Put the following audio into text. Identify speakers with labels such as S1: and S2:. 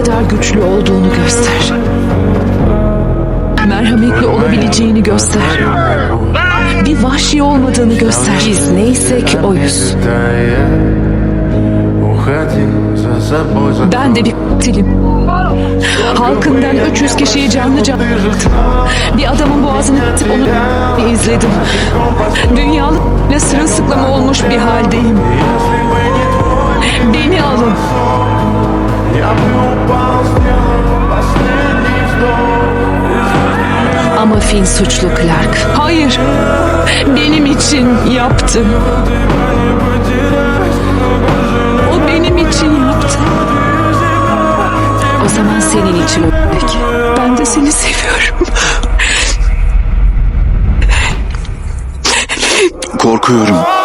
S1: kadar güçlü olduğunu göster. Merhametli olabileceğini göster. Bir vahşi olmadığını göster. Biz neysek oyuz. Ben de bir katilim. Halkından 300 kişiyi canlı canlı yaktım. Bir adamın boğazını kesip onu izledim. Dünyalıkla sırılsıklam olmuş bir haldeyim. Beni alın. Ama Finn suçlu Clark. Hayır. Benim için yaptı. O benim için yaptı. O zaman senin için ölecek. Ben de seni seviyorum.
S2: Korkuyorum.